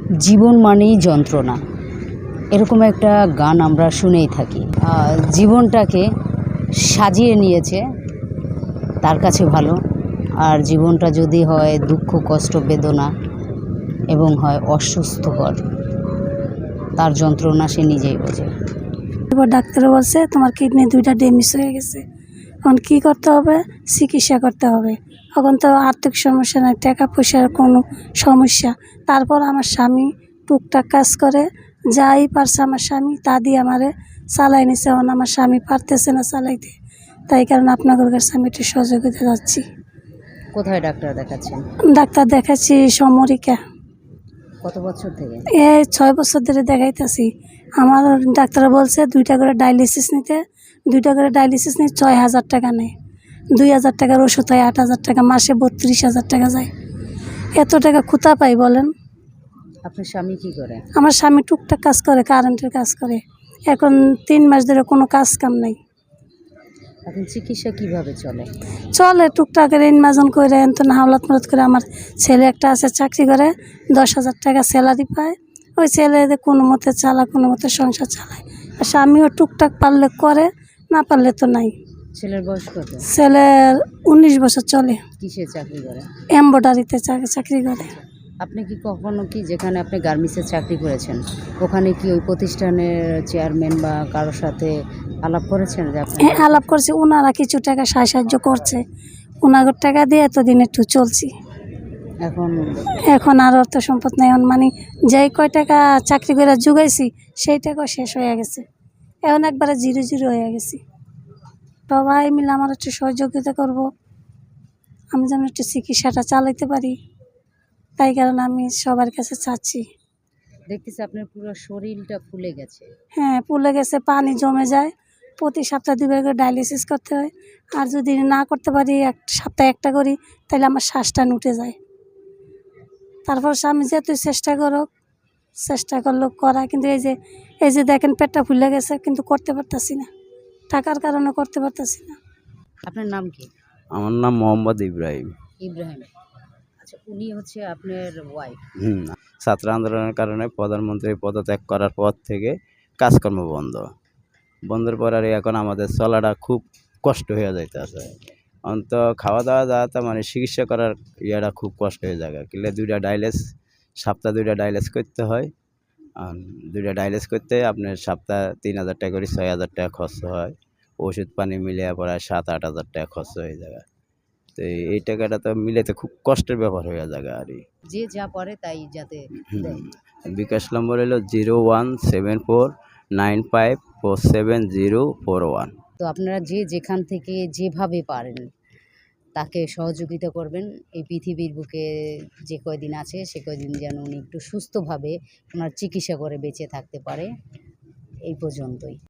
জীবন মানেই যন্ত্রণা, এরকম একটা গান আমরা শুনেই থাকি। জীবনটাকে সাজিয়ে নিয়েছে তার কাছে ভালো, আর জীবনটা যদি হয় দুঃখ, কষ্ট, বেদনা এবং হয় অসুস্থকর, তার যন্ত্রণা সে নিজেই বোঝে। এবার ডাক্তার বলছে তোমার কিডনি 2টা ড্যামেজ হয়ে গেছে, এখন কী করতে হবে? চিকিৎসা করতে হবে। এখন তো আর্থিক সমস্যা নাই, টাকা পয়সার কোনো সমস্যা। তারপর আমার স্বামী টুকটাক কাজ করে, যাই পারছে আমার স্বামী তা দিয়ে আমারে চালাই নিছে। এখন আমার স্বামী পারতেছে না চালাইতে, তাই কারণে আপনাদের কাছে আমি একটু সহযোগিতা যাচ্ছি। কোথায় ডাক্তার দেখাচ্ছেন? ডাক্তার দেখাচ্ছি সমরিকা। কত বছর থেকে? এই 6 বছর ধরে দেখাইতেছি। আমার ডাক্তার বলছে 2টা করে ডায়ালিসিস নিতে, 2টা করে ডায়ালিসিস নিয়ে 6,000 টাকা নেয়। 2,000 টাকার ওষুধ হয় 8,000 টাকা, মাসে 32,000 টাকা যায়। এত টাকা কোথা পাই বলেন? আপনার স্বামী কি করে? আমার স্বামী টুকটাক কাজ করে, কারেন্টের কাজ করে। এখন 3 মাস ধরে কোনো কাজ কাম নাই। এখন চিকিৎসা কিভাবে চলে? চলে টুকটাকের ইনমাজন করে, এনতন হাওলাত মালত করে। আমার ছেলে একটা আছে, চাকরি করে, 10,000 টাকা স্যালারি পায়। ওই ছেলে কোনো মতে চালায়, কোনো মতে সংসার চালায়। আর স্বামীও টুকটাক পারলে করে, না পারলে তো নাই। ছেলের বয়স কত? ছেলের 19 বছর চলে। কিসে চাকরি করে? এমব্রয়ডারিতে চাকরি করে। আপনি কি কখনো কি, যেখানে আপনি গার্মেন্টসে চাকরি করেছেন, ওখানে কি ওই প্রতিষ্ঠানের চেয়ারম্যান বা কারোর সাথে আলাপ করেছেন যে আপনি? হ্যাঁ, আলাপ করছে। ওনারা কিছু টাকা সাহায্য করছে, ওনাগর টাকা দিয়ে এতদিন একটু চলছি। এখন আর অর্থ সম্পদ নেই। এখন মানে যেই কয় টাকা চাকরি করে জুগাইছি সেই টাকা শেষ হয়ে গেছে। এখন একবারে জিরো জিরো হয়ে গেছি। সবাই মিলে আমার একটু সহযোগিতা করব, আমি যেন একটু চিকিৎসাটা চালাইতে পারি। তাই কারণে আমি সবার কাছে চাচ্ছি। দেখতেছি আপনার পুরো শরীরটা ফুলে গেছে। হ্যাঁ, ফুলে গেছে, পানি জমে যায়। প্রতি সপ্তাহে 2বার করে ডায়ালিসিস করতে হয়। আর যদি না করতে পারি, এক সপ্তাহে একটা করি, তাহলে আমার শ্বাসটা উঠে যায়। তারপর স্বামী যেহেতু চেষ্টা করলো করা, কিন্তু এই যে দেখেন পেটটা ফুলে গেছে, কিন্তু করতে পারতাছি না, টাকার কারণে করতে পারতাছি না। আপনার নাম কি? আমার নাম মোহাম্মদ ইব্রাহিম। ইব্রাহিম। আচ্ছা, উনি হচ্ছে আপনার ওয়াইফ? ছাত্র আন্দোলনের কারণে প্রধানমন্ত্রী পদত্যাগ করার পর থেকে কাজকর্ম বন্ধের পর আর এখন আমাদের চলাটা খুব কষ্ট হয়ে যাইতেছে। অন্ত খাওয়া দাওয়া যাওয়াতে মানে চিকিৎসা করার ইয়েটা খুব কষ্ট হয়ে যায়। কিলে 2টা ডায়ালিস, সপ্তাহে 2টা ডায়ালিস করতে হয়। 2টা ডায়ালিস করতে আপনার সপ্তাহে 3,000 টাকা করে 6,000 টাকা খরচ হয়। ওষুধ পানি মিলিয়ে প্রায় 7-8 হাজার টাকা খরচ হয়ে যায়। তো এই টাকাটা তো মিলাতে খুব কষ্টের ব্যাপার হয়ে যায়। আর যে যা পারে তাই যাতে দেয়। বিকাশ নম্বর হলো 017495474041। তো আপনারা যে যেখান থেকে যেভাবে পারেন তাকে সহযোগিতা করবেন। এই পৃথিবীর বুকে যে কয়দিন আছে সে কয়দিন যেন উনি একটু সুস্থভাবে ওনার চিকিৎসা করে বেঁচে থাকতে পারে। এই পর্যন্তই।